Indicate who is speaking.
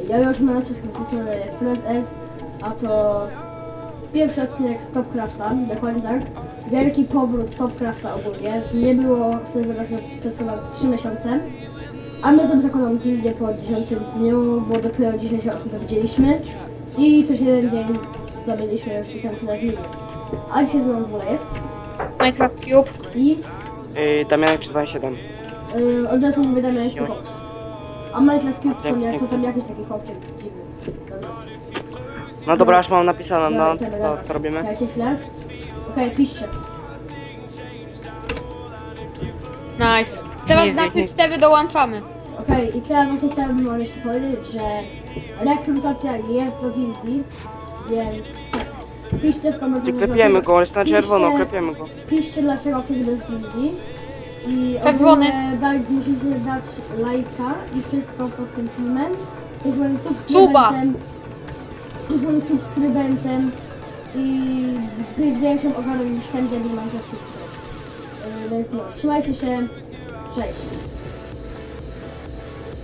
Speaker 1: Ja już mam wszystko wcisnąłem Press S, a to pierwszy odcinek z Topcrafta, dokładnie tak. Wielki powrót Topcrafta ogólnie. Nie było w serwerach przez chyba 3 miesiące. A my sobie zakładam gildię po 10 dniu, bo dopiero dzisiaj się o tym dowiedzieliśmy. I przez jeden dzień zdobyliśmy specjalnie na gildię. A dzisiaj znowu w ogóle jest.
Speaker 2: Minecraft Cube.
Speaker 1: I
Speaker 3: Damianek 327.
Speaker 1: od razu mówię Damianek to box. A Minecraft Cube to tam jakiś taki chłopczyk dziwny. Dobra.
Speaker 3: No dobra, aż mam napisane, no
Speaker 1: Dobra,
Speaker 3: co robimy?
Speaker 1: Czekajcie chwilę. Okej, piszcie.
Speaker 2: Nice. Teraz na tym 4 dołączamy.
Speaker 1: Okej, i teraz właśnie chciałbym wam jeszcze powiedzieć, że rekrutacja jest do gildii, więc tak. Piszcie w komentarzach.
Speaker 3: Klepiemy go, jest na
Speaker 1: Piszcie-
Speaker 3: czerwono, klepiemy go.
Speaker 1: Piszcie dlaczego ktoś jest w gildii. I
Speaker 2: Czerwony.
Speaker 1: ogólnie musicie dać lajka i wszystko pod tym filmem. Jest moim
Speaker 2: Suba.
Speaker 1: subskrybentem i być większą ogarą niż ten debil mam Więc no, trzymajcie się, cześć.